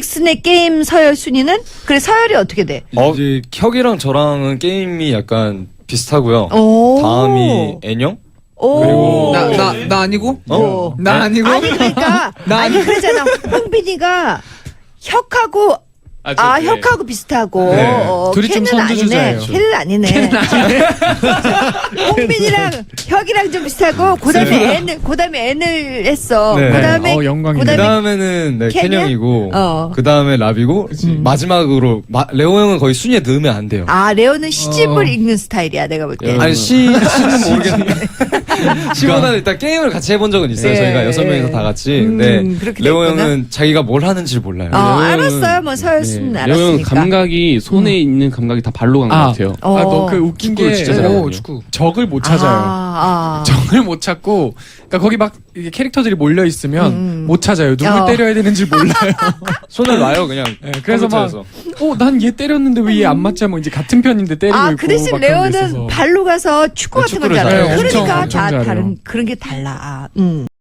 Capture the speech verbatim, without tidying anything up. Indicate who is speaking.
Speaker 1: 잭슨의 게임 서열 순위는? 그래 서열이 어떻게 돼?
Speaker 2: 어, 이제 혁이랑 저랑은 게임이 약간 비슷하고요.
Speaker 1: 오.
Speaker 2: 다음이 애녕?
Speaker 1: 오.
Speaker 2: 그리고
Speaker 3: 나 나 나 아니고?
Speaker 2: 어?
Speaker 3: 나 아니고?
Speaker 1: 아니 그러니까
Speaker 3: 나
Speaker 1: 아니 그러잖아. 홍빈이가 혁하고
Speaker 4: 아,
Speaker 1: 아,
Speaker 4: 네.
Speaker 1: 혁하고 비슷하고
Speaker 2: 네.
Speaker 1: 어,
Speaker 3: 둘이 좀
Speaker 1: 캔은 아니네.
Speaker 3: 선두주자예요.
Speaker 1: 캔은 아니네. 홍빈이랑 혁이랑 좀 비슷하고 그다음에 N을 그다음에 N을 했어.
Speaker 2: 네.
Speaker 1: 그다음에
Speaker 3: 어, 영광이네.
Speaker 2: 그
Speaker 1: 그다음에
Speaker 2: 다음에는 네,
Speaker 1: 캔이야?
Speaker 2: 캔형이고,
Speaker 1: 어.
Speaker 2: 그 다음에 랍이고, 마지막으로 마, 레오 형은 거의 순위에 넣으면 안 돼요.
Speaker 1: 아 레오는 시집을
Speaker 3: 어.
Speaker 1: 읽는 스타일이야 내가 볼 때.
Speaker 2: 아니 시 시는 모르겠는데 시보다는 일단 게임을 같이 해본 적은 있어요.
Speaker 1: 예,
Speaker 2: 저희가 여섯
Speaker 1: 예.
Speaker 2: 명이서 다 같이.
Speaker 1: 음,
Speaker 2: 근데
Speaker 1: 그렇게
Speaker 2: 레오
Speaker 1: 됐구나.
Speaker 2: 형은 자기가 뭘 하는지 몰라요.
Speaker 1: 어
Speaker 4: 레오 형은-
Speaker 1: 알았어요. 뭐 서열 순위는
Speaker 4: 네. 레오 형은
Speaker 1: 알았으니까.
Speaker 4: 감각이 손에 있는 감각이 다 발로 간 것
Speaker 3: 아.
Speaker 4: 같아요.
Speaker 1: 어.
Speaker 3: 아, 너 그 웃긴
Speaker 4: 축구를
Speaker 3: 게
Speaker 4: 진짜
Speaker 3: 오,
Speaker 4: 잘하거든요.
Speaker 3: 축구. 적을 못 찾아요.
Speaker 1: 아, 아.
Speaker 3: 적을 못 찾고, 그러니까 거기 막 이게 캐릭터들이 몰려 있으면
Speaker 1: 음.
Speaker 3: 못 찾아요. 누굴
Speaker 1: 어.
Speaker 3: 때려야 되는지 몰라요.
Speaker 2: 손을 놔요 그냥.
Speaker 3: 네, 그래서 막,
Speaker 2: 컴퓨터에서.
Speaker 3: 어, 난 얘 때렸는데 왜 얘 안 맞지? 뭐 이제 같은 편인데 때리고
Speaker 1: 아,
Speaker 3: 있고.
Speaker 1: 그 대신
Speaker 3: 막 그런 게
Speaker 1: 레오는
Speaker 3: 있어서.
Speaker 1: 발로 가서 축구
Speaker 2: 네,
Speaker 1: 같은 걸
Speaker 2: 축구를
Speaker 1: 잘해요.
Speaker 3: 잘해요.
Speaker 1: 그러니까
Speaker 3: 엄청,
Speaker 1: 다
Speaker 3: 엄청 잘해요.
Speaker 1: 다른 그런 게 달라. 음.